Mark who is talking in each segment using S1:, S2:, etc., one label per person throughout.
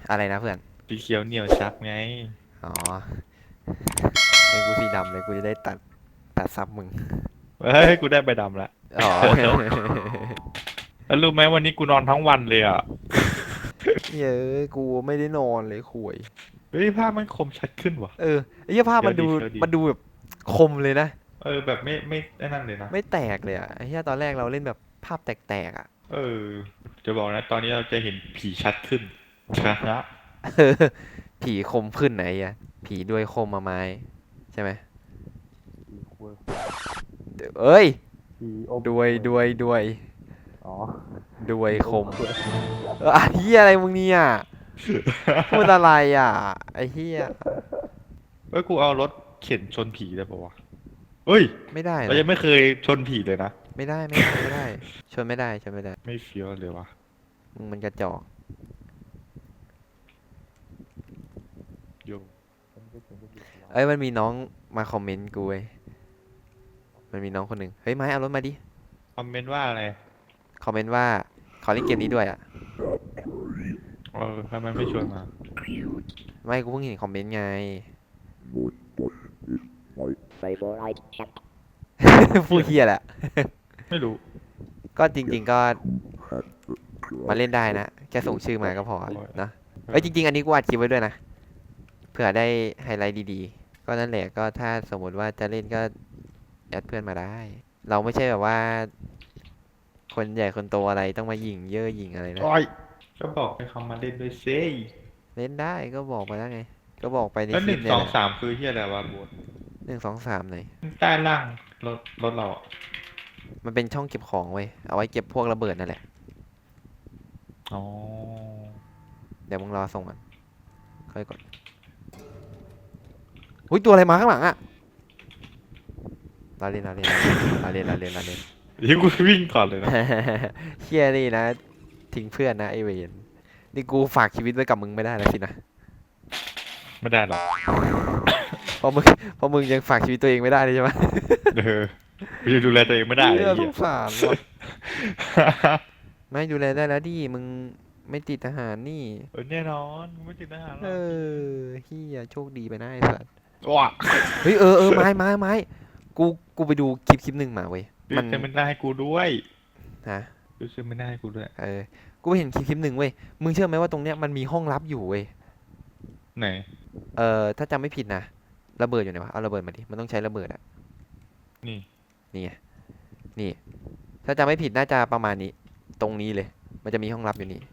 S1: อะไรนะเพื่อน
S2: สีเขียวเหนียวชักไง
S1: อ๋อไอ้กูสีดำเลยกูจะได้ตัดซับมึง
S2: เฮ้ยกูได้ใบดำละ
S1: อ๋อ
S2: แล้วรู้ไหมวันนี้กูนอนทั้งวันเลยอ่ะ
S1: เย้ยกูไม่ได้นอนเลยคุย
S2: เฮ้ยภาพมันคมชัดขึ้นว่ะ
S1: เออไอ้เหี้ยภาพ
S2: เฟี้ยว
S1: มันดู
S2: ดีเฟี้ยวดี
S1: มันดูแบบคมเลยนะ
S2: เออแบบไม่ไอ้นั่นเลยนะ
S1: ไม่แตกเลยอะไอ้เหี้ยตอนแรกเราเล่นแบบภาพแตกๆอะ
S2: เออจะบอกนะตอนนี้เราจะเห็นผีชัดขึ้นชนะ
S1: เออผีคมขึ้นไหนอะผีด้วยคมมาไม้ใช่ไหม
S2: ผีคุย
S1: เอ้ย
S2: ผีอม
S1: ด้วย
S2: อ๋อ
S1: ด้วย
S2: ผีอ
S1: คม
S2: มคุย
S1: เฮียอะไรมึงเนี่ยพูดอะไรอ่ะไอ้เฮีย
S2: เอ้ยกูเอารถเข็นชนผีได้ปะวะเฮ้ย
S1: ไม่ได้
S2: เรา
S1: นะ
S2: ยังไม่เคยชนผีเลยนะ
S1: ไม่ได้ชนไม่ได้
S2: ไม่เฟี้ยวเลยวะ
S1: มึงมันกระจอก
S2: โย
S1: เอ้ยมันมีน้องมาคอมเมนต์กูเว้ยมันมีน้องคนหนึ่งเฮ้ยไม้เอารถมาดิ
S2: คอมเมนต์ว่าอะไร
S1: คอมเมนต์ว่าขอเล่นเกมนี้ด้วยอ่ะ
S2: เออทำไมไม่ชวนมา
S1: ไม่กูเพิ่งเห็นคอมเมนต์ไง
S3: favorite chat
S1: พูดเฮียแหละ
S2: ไม่รู้
S1: ก็จริงๆก็มาเล่นได้นะแค่ส่งชื่อมาก็พอ
S2: โอ้ย
S1: นะ
S2: เออ
S1: เอ้ยจริงๆอันนี้กูอัดคลิปไว้ด้วยนะเผื่อได้ไฮไลท์ดีๆก็นั่นแหละก็ถ้าสมมติว่าจะเล่นก็แอดเพื่อนมาได้เราไม่ใช่แบบว่าคนใหญ่คนโตอะไรต้องมาหยิ่งเย่อหยิ่งอะไรนะ
S2: โอ้ยก็บอกให้เขามาเล่นด้วยเซ่
S1: เล่นได้ก็บอกไปแล้วไงก็บอกไปใน
S2: แล้วหนึ่ง
S1: คลิปเนี่ยแหละ
S2: สองสามคือเฮียอะไรวะโบน
S1: 1 2 3ไหน
S2: ใต้ล่างรถเราอะ
S1: มันเป็นช่องเก็บของเว้ยเอาไว้เก็บพวกระเบิดนั่นแหละ
S2: อ๋อ
S1: เดี๋ยวมึงรอส่งมันค่อยกดหุ้ยตัวอะไรมาข้างหลังอะเราเล่น
S2: ที่กูวิ่งก่อนเลยนะ
S1: เฮียนี่นะทิ้งเพื่อนนะไอเวนนี่กูฝากชีวิตไว้กับมึงไม่ได้แล้วสินะ
S2: ไม่ได้หรอก
S1: เพราะมึงเพราะมึงยังฝากชีวิตตัวเองไม่ได้เลยใช่ไหม
S2: เออกูจะดูแลตัวเองไม่ได้
S1: เฮี
S2: ไอ้
S1: ยส
S2: เหี้ย
S1: งสารว่ะไม่ดูแลได้แล้วดิมึงไม่ติดทหารนี่
S2: เออแน่นอนกูไม่ติดทหารห
S1: เอ
S2: รอก
S1: อเฮียโชคดีไปนะไอ้สัส
S2: ว้า
S1: เฮ้ยเออไม้กูกูไปดูคลิปหนึ่งมาเว้ย
S2: ดู
S1: มัน
S2: เซมินาให้กูด้วย
S1: ฮะ
S2: ดูเซมินาให้กูด้วย
S1: เออกูไปเห็นคลิปหนึ่งเว้ยมึงเชื่อไหมว่าตรงเนี้ยมันมีห้องลับอยู่เว้ย
S2: ไหน
S1: ถ้าจำไม่ผิดนะระเบิดอยู่ไหนวะเอาระเบิดมาดิมันต้องใช้ระเบิดอะ
S2: นี่
S1: นี่ไงนี่ ถ้าจำไม่ผิดน่าจะประมาณนี้ตรงนี้เลย มันจะมีห้องลับอยู่นี่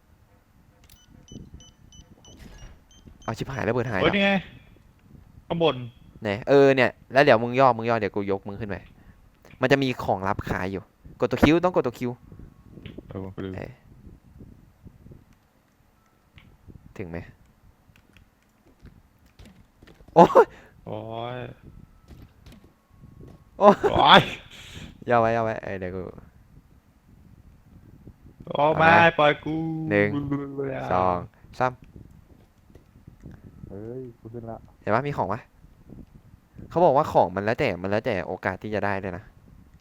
S1: เอาชิบหายแล้วเบิดหายแล้ว
S2: โอ้ยนี่ไงข้างบน
S1: ไหนเนี่ยแล้วเดี๋ยวมึงย่อเดี๋ยวกูยกมึงขึ้นไปมันจะมีของลับขายอยู่กดตัวคิวต้องกดตัวคิว
S2: เออไปดู
S1: เอ้ยถึงไหมโอ้ย
S2: โอ้ย
S1: โอ้ย
S2: โอ้ย
S1: ย่อไว้เดี๋ยวกู
S2: โอ้
S1: เอา
S2: ไม่
S1: นะ
S2: ปล่อยกู
S1: 1 2 3
S2: เฮ้ยกูขึ้นละ
S1: เห็นปะมีของปะเขาบอกว่าของมันแล้วแต่โอกาสที่จะได้เลยนะ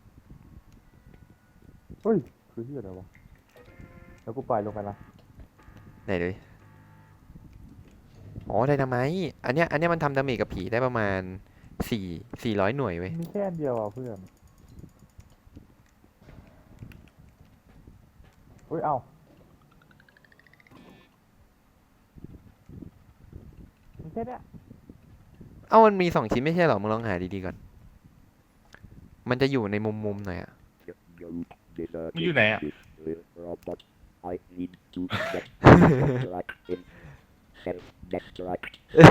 S2: เฮ้ยคือที่อะไรวะแล้วกูปล่อยลงไปละ
S1: ไหนดูดิอ๋อไดนาไมต์อันเนี้ยมันทำดาเมจกับผีได้ประมาณ400 หน่วยเว้ย
S2: มีแค่อันเดียวอ่ะเพื่อนเฮ้ยเอามีแค่เนี้ย
S1: เอ้ามันมี2 ชิ้นไม่ใช่เหรอมึงลองหาดีๆก่อนมันจะอยู่ในมุมหน่อยอะ
S2: มันอยู่ไหนอ่ะ
S3: robot I need to get right in self destruct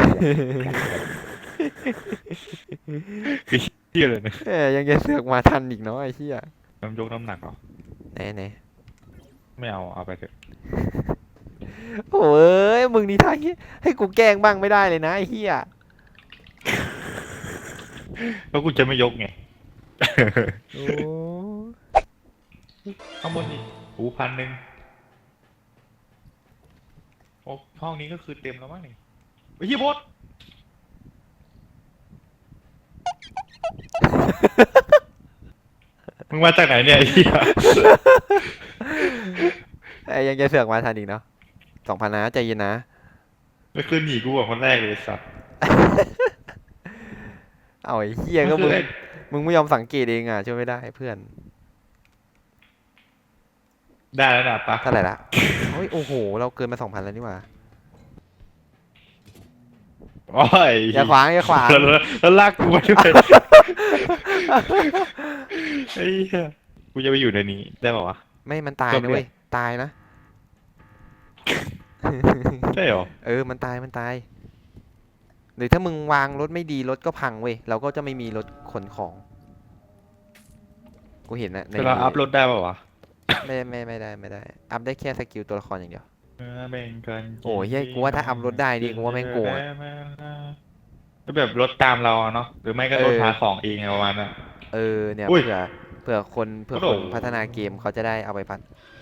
S2: คือเที่ยเลยนะ
S1: ยังจะเสือกมาทันอีกเนาะไอ้เหี้ย
S2: น้ำยกน้ำหนักเหรอ
S1: ไหน
S2: ไม่เอาไปเถอะ
S1: โอ้ยมึงนี่ท่าให้กูแกล้งบ้างไม่ได้เลยนะไอ้เหี้ย
S2: แล้วกูจะไม่ยกไง
S1: โอ้
S2: ข้างบนนี่หู1,100โอ้ห้องนี้ก็คือเต็มแล้วมั้งนี่ไอ้เหี้ยบดมึงมาจากไหนเนี่ยไอ้เหี้ย
S1: ยังจะเสือกมาทันอีกเนาะ2,000นะใจเย็นนะ
S2: ก็คือหนีกูก่อนคนแรกเลยไอ้สัตว์
S1: เอาไอ้เหี้ย
S2: มัน
S1: ก็
S2: คือ
S1: มึง
S2: ไอ้
S1: มึงไม่ยอมสังเกตเองอ่ะช่วยไม่ได้เพื่อน
S2: ได้แล้วนะปะ
S1: เท่าไหร่ละโอ้ยโอ้โห เราเกินมา 2,000แล้วนี่หว่า
S2: โอ้ย
S1: อย่าขวางอย่าขวาง
S2: แล้วลากกูมาด้วยไอ้เหี้ยกูจะไปอยู่ในนี้ได้ป่าวะ
S1: ไม่มันตาย
S2: จบ
S1: นะ
S2: เลย
S1: เว้ยตายนะ
S2: ใช่เหรอ
S1: เออมันตายหรือถ้ามึงวางรถไม่ดีรถก็พังเว้ยเราก็จะไม่มีรถขนของกูเห็นนะใน
S2: เวลาอัพรถได้ป่าวะ
S1: ไม่ได้อัพได้แค่สกิลตัวละครอย่างเดียว
S2: แบ่งกัน
S1: โอ้ยเฮ้ยกูว่าถ้าอัพรถได้ดิกูว่าแม่งโกงอะ
S2: ก็แบบรถตามเราอะเนาะหรือไม่ก็รถพาของเองอะประมาณนั้น
S1: เออเนี่ย
S2: อุ้ย
S1: เผื่อคน
S2: กระโดด
S1: พัฒนาเกมเขาจะได้เอาไปพัฒ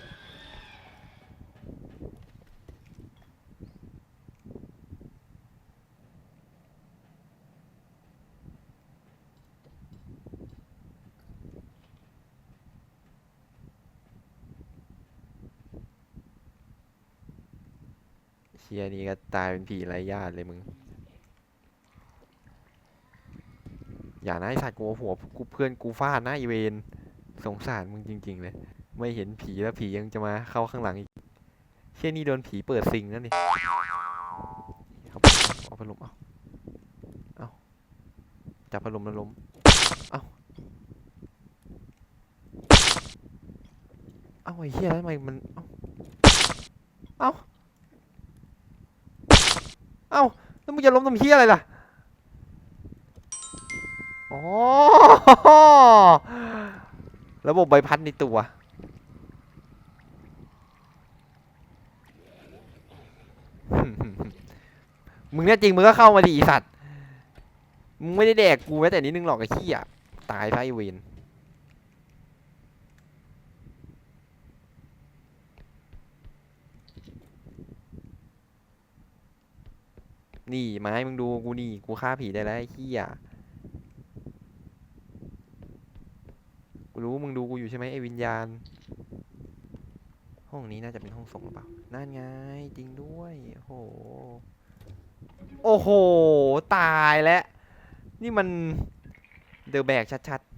S1: เชียนี่ก็ตายเป็นผีไร้ญาติเลยมึงอย่านะไอสัตว์กูเอาหัวกูเพื่อนกูฟาดนะอีเวนสงสารมึงจริงๆเลยไม่เห็นผีแล้วผียังจะมาเข้าข้างหลังอีกเชี่ยนี่โดนผีเปิดซิงแล้วนี่เอาพัดลมเอาจับพัดลมแล้วล้มเอาไอ้เหี้ยแล้วทำไมมันเอาแล้วมึงจะล้มทำเหี้ยอะไรล่ะอ๋อระบบใบพัดในตัว มึงเนี่ยจริงมึงก็เข้ามาดิอีสัตว์ มึงไม่ได้แดกกูแม้แต่นิดนึงหรอกไอ้ขี้อ่ะตายซะไอ้เวนนี่ไม้มึงดูกูนี่กูฆ่าผีได้แล้วไอ้ขี้อ่ะกูรู้มึงดูกูอยู่ใช่ไหมไอ้วิญญาณ ห้องนี้น่าจะเป็นห้องส่งหรือเปล่านั่นไงจริงด้วยโอ้โหโอ้โหตายแล้วนี่มันเดอะแบกชัด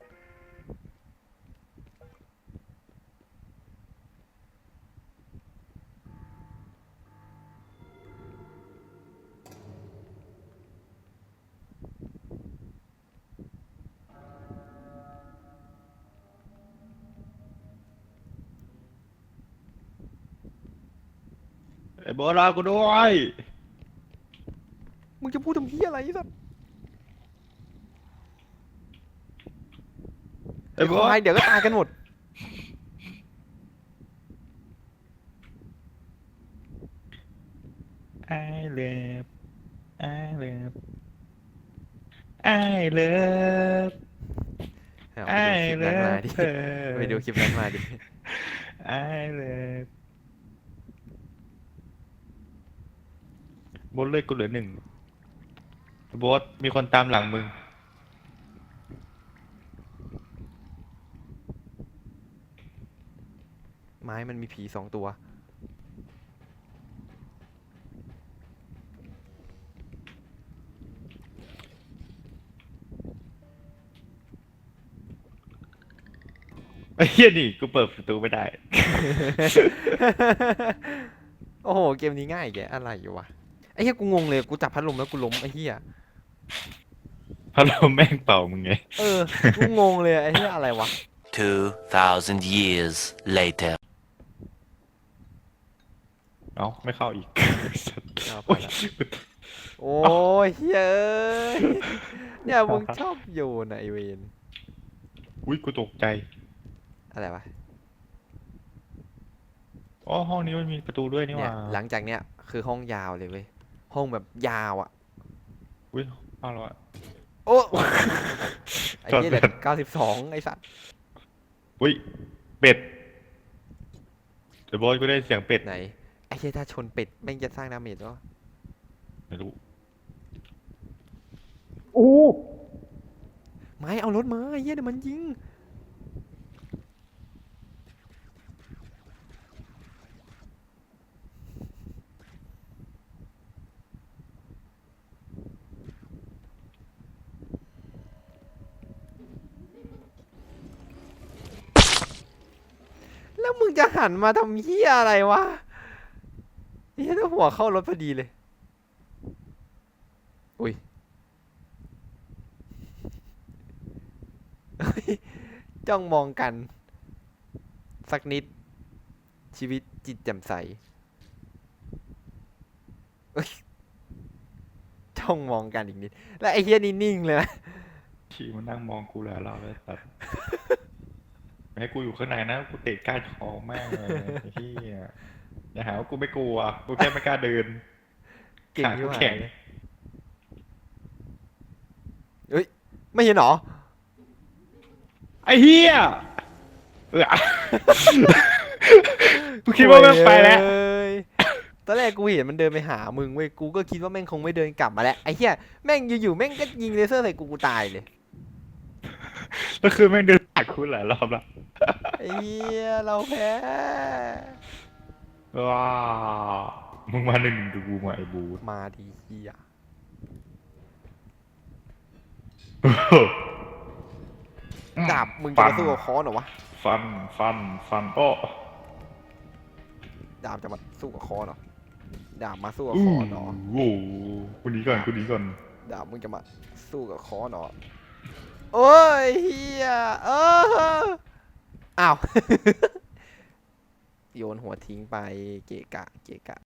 S2: ไอ้โบรากูด้วย
S1: ๆมึงจะพูดทำเพี้ยอะไรไอ้สัตว์
S2: ไอ้โบ
S1: ควายเดี๋ยวก็ตายกันหมด
S2: ไอ้เลิฟไอ้เลิฟไอ้เลิฟ
S1: เอา
S2: ไอ้
S1: ไปดูคลิปนั้นมาดิ
S2: เลิฟ
S1: ไปดูคลิปนั้นมาดิ
S2: ไอ้เลิฟโบทเลยกูเหลือหนึ่งโบทมีคนตามหลังมึง
S1: ไม้มันมีผี2 ตัว
S2: ไอ้เหี้ยนี่กูเปิดประตูไม่ได้
S1: โอ้โห เกมนี้ง่ายแกอะไรอยู่วะ ไอ้เหี้ยกูงงเลย กูจับพัดลมแล้วกูล้มไอ้เหี้ย
S2: พัดลมแม่งเป่ามึงไง
S1: เออ กูงงเลยไอ้เหี้ยอะไรวะ
S4: 2,000 years later.
S2: เอ้าไม่เข้าอีก
S1: เอาไป
S2: โอ้ย
S1: ละ โอ้ยเฮ้ยเนี่ยมึงชอบโยนอะไอเวน
S2: อุ้ยกูตกใจ
S1: อะไรวะ
S2: อ๋อห้องนี้มันมีประตูด้วยนี่ห
S1: เนี่ย
S2: ว่า
S1: หลังจากเนี้ยคือห้องยาวเลยเว้ย ห้องแบบยาวอ่ะ
S2: อุ้ยห้องแล้วอะ
S1: โอ้ไอ้
S2: จอด
S1: เหี้ยเหลื
S2: เปิ
S1: อ
S2: ด
S1: 92ไอ้สัตว์
S2: อุ้ยเป็ดเดี๋ยวบอสกูได้เสียงเป็ด
S1: ไหน ไอ้เหี้ยถ้าชนเป็ดแม่งจะสร้างดาเมจวะ
S2: ไม่รู้
S1: ไม้เอารถมาไอ้เหี้ยเดี๋ยวมันยิงงจะหันมาทำเหี้ยอะไรวะเหี้ยถ้าหัวเข้ารถพอดีเลยอุ้ยจ้องมองกัน สักนิด ชีวิตจิตแจ่มใสเอ้ยจ้องมองกันอีกนิด แล้วไอ้เฮียนี่นิ่งเลยนะ
S2: ขี่มันนั่งมองกูแล้วเราเลยตัดไม่ให้กูอยู่ข้างในนะกูเตะก้านคอแม่งเลยไอ้เฮียอย่าหาว่ากูไม่กลัวกูแค่ไม่กล้าเดิน
S1: เก่ง
S2: ขา
S1: ที่
S2: กู
S1: หา
S2: แข็
S1: ย
S2: ง
S1: เลยเฮ้ย ไม่เห็นเหรอ
S2: ไอ้เฮียเออ กูคิดว่าแม่งไปแล้ว
S1: โอ้ยตอนแรกกูเห็นมันเดินไปหามึงเว้ย กูก็คิดว่าแม่งคงไม่เดินกลับมาแล้ว ไอ้เหี้ย แม่งอยู่ๆแม่งก็ยิงเลเซอร์ใส่กูตายเลย
S2: แล้วคือแม่งเดินผ่านกูหลายรอบละ
S1: ไอ้เหี้ย เราแพ้
S2: ว้ามึงมาหนึ่งดูกูมาไอ้บู
S1: มาดีเหี้ย ดาบมึงจะมาสู้กับค้อนเหรอวะ
S2: ฟันโอ้
S1: ดาบจะมาสู้กับค้อนเหรอ ดาบมาสู้กับ
S2: อู้
S1: ค้อนเหรอ
S2: โอ้กูหนีก่อน
S1: ดาบมึงจะมาสู้กับค้อนเหรอ โอ้ยเฮียอ้าว โยนหัวทิ้งไปเกะกะ